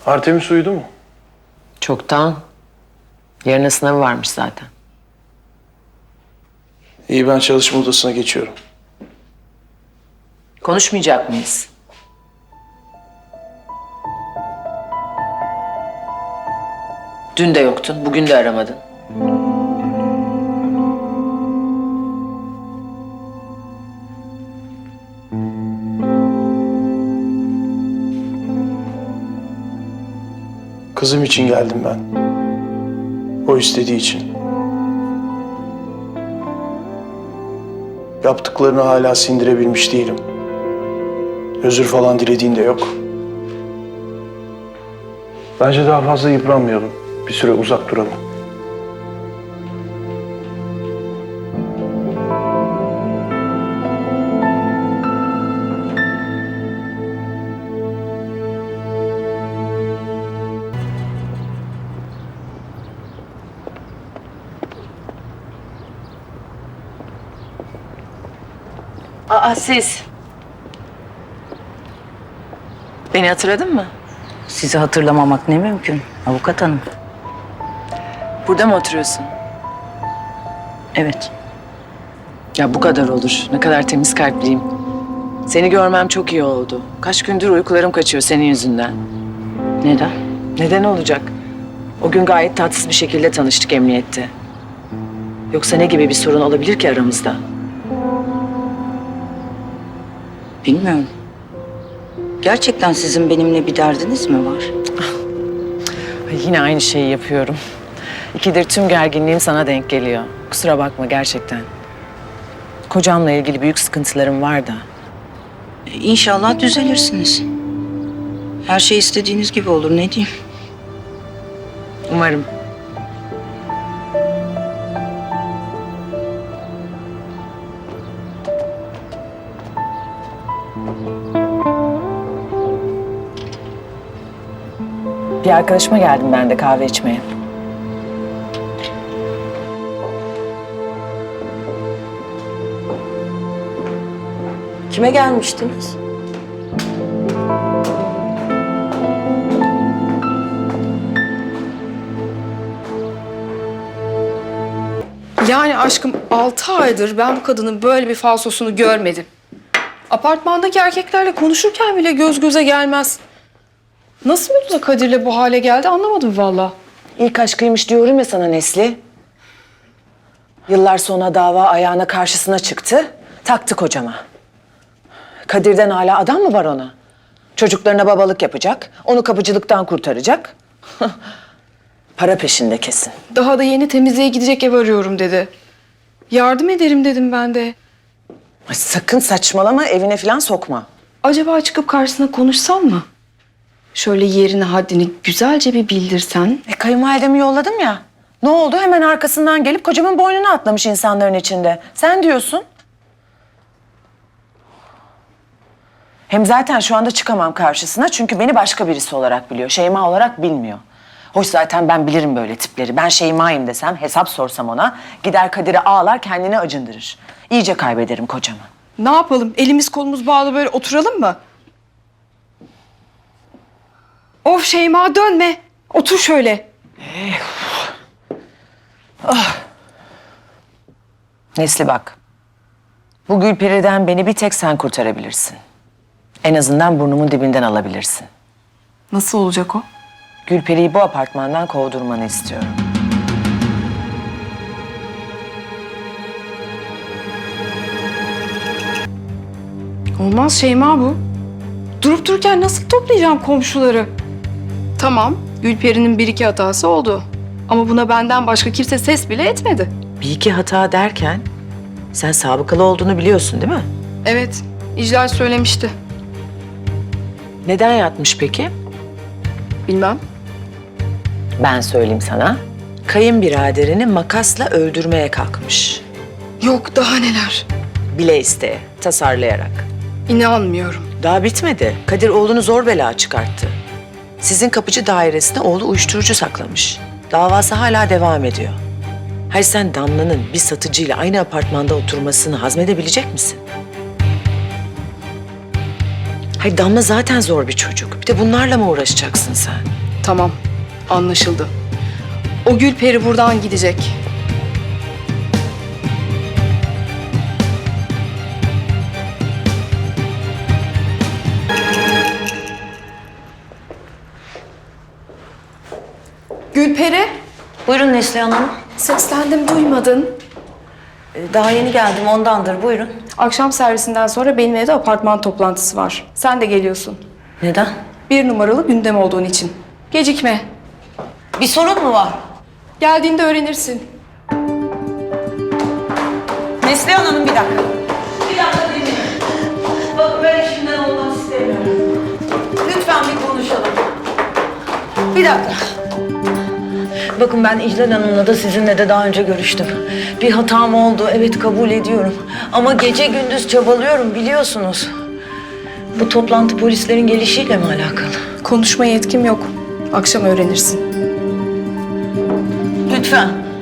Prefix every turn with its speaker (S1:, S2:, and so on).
S1: Artemis uyudu mu?
S2: Çoktan. Yarına sınavı varmış zaten.
S1: İyi, ben çalışma odasına geçiyorum.
S2: Konuşmayacak mıyız? Dün de yoktun, bugün de aramadın.
S1: Kızım için geldim ben. O istediği için. Yaptıklarını hala sindirebilmiş değilim. Özür falan dilediğin de yok. Bence daha fazla yıpranmayalım. Bir süre uzak duralım.
S2: Aa, siz. Beni hatırladın mı?
S3: Sizi hatırlamamak ne mümkün avukat hanım.
S2: Burada mı oturuyorsun?
S3: Evet.
S2: Ya bu kadar olur. Ne kadar temiz kalpliyim. Seni görmem çok iyi oldu. Kaç gündür uykularım kaçıyor senin yüzünden.
S3: Neden?
S2: Neden olacak? O gün gayet tatsız bir şekilde tanıştık emniyette. Yoksa ne gibi bir sorun olabilir ki aramızda?
S3: Bilmiyorum. Gerçekten sizin benimle bir derdiniz mi var?
S2: Ay, yine aynı şeyi yapıyorum. İkidir tüm gerginliğim sana denk geliyor. Kusura bakma gerçekten. Kocamla ilgili büyük sıkıntılarım var da.
S3: İnşallah düzelirsiniz. Her şey istediğiniz gibi olur ne diyeyim.
S2: Umarım. Bir arkadaşıma geldim ben de kahve içmeye.
S3: Kime gelmiştiniz?
S4: Yani aşkım 6 aydır ben bu kadının böyle bir falsosunu görmedim. Apartmandaki erkeklerle konuşurken bile göz göze gelmez. Nasıl oldu da Kadir'le bu hale geldi anlamadım valla.
S2: İlk aşkıymış diyorum ya sana Nesli. Yıllar sonra dava ayağına karşısına çıktı. Taktı kocama. Kadir'den hala adam mı var ona? Çocuklarına babalık yapacak. Onu kapıcılıktan kurtaracak. Para peşinde kesin.
S4: Daha da yeni temizliğe gidecek ev arıyorum dedi. Yardım ederim dedim ben de.
S2: Ay, sakın saçmalama, evine falan sokma.
S4: Acaba çıkıp karşısına konuşsam mı? Şöyle yerini haddini güzelce bir bildirsen.
S2: Kayınvalidemi yolladım ya. Ne oldu? Hemen arkasından gelip kocamın boynuna atlamış insanların içinde. Sen diyorsun. Hem zaten şu anda çıkamam karşısına çünkü beni başka birisi olarak biliyor. Şeyma olarak bilmiyor. Hoş zaten ben bilirim böyle tipleri. Ben Şeyma'yım desem, hesap sorsam ona gider Kadir'e ağlar kendini acındırır. İyice kaybederim kocamı.
S4: Ne yapalım? Elimiz kolumuz bağlı böyle oturalım mı? Of Şeyma dönme. Otur şöyle.
S2: Nesli bak. Bu Gülperi'den beni bir tek sen kurtarabilirsin. En azından burnumun dibinden alabilirsin.
S4: Nasıl olacak o?
S2: Gülperi'yi bu apartmandan kovdurmanı istiyorum.
S4: Olmaz Şeyma bu. Durup dururken nasıl toplayacağım komşuları? Tamam, Gülperi'nin bir iki hatası oldu. Ama buna benden başka kimse ses bile etmedi.
S2: Bir iki hata derken sen sabıkalı olduğunu biliyorsun değil mi?
S4: Evet, İclal söylemişti.
S2: Neden yatmış peki?
S4: Bilmem.
S2: Ben söyleyeyim sana. Kayınbiraderini makasla öldürmeye kalkmış.
S4: Yok daha neler.
S2: Bile isteye, tasarlayarak.
S4: İnanmıyorum.
S2: Daha bitmedi. Kadir oğlunu zor bela çıkarttı. Sizin kapıcı dairesine oğlu uyuşturucu saklamış. Davası hala devam ediyor. Hayır sen Damla'nın bir satıcıyla aynı apartmanda oturmasını hazmedebilecek misin? Hayır, Damla zaten zor bir çocuk. Bir de bunlarla mı uğraşacaksın sen?
S4: Tamam, anlaşıldı. O Gülperi buradan gidecek. Gülperi,
S3: Buyurun Neslihan Hanım.
S4: seslendim duymadın.
S3: Daha yeni geldim ondandır. Buyurun.
S4: Akşam servisinden sonra benim evde apartman toplantısı var. Sen de geliyorsun.
S3: Neden?
S4: 1 numaralı gündem olduğun için. Gecikme.
S3: Bir sorun mu var?
S4: Geldiğinde öğrenirsin.
S2: Neslihan Hanım bir dakika.
S3: Bir dakika dinleyin. Bakın ben işimden olmak istemiyorum. Lütfen bir konuşalım. Bir dakika. Bakın ben İclal Hanım'la da sizinle de daha önce görüştüm. Bir hatam oldu, evet kabul ediyorum. Ama gece gündüz çabalıyorum biliyorsunuz. Bu toplantı polislerin gelişiyle mi alakalı?
S4: Konuşmaya yetkim yok. Akşam öğrenirsin.
S3: Lütfen.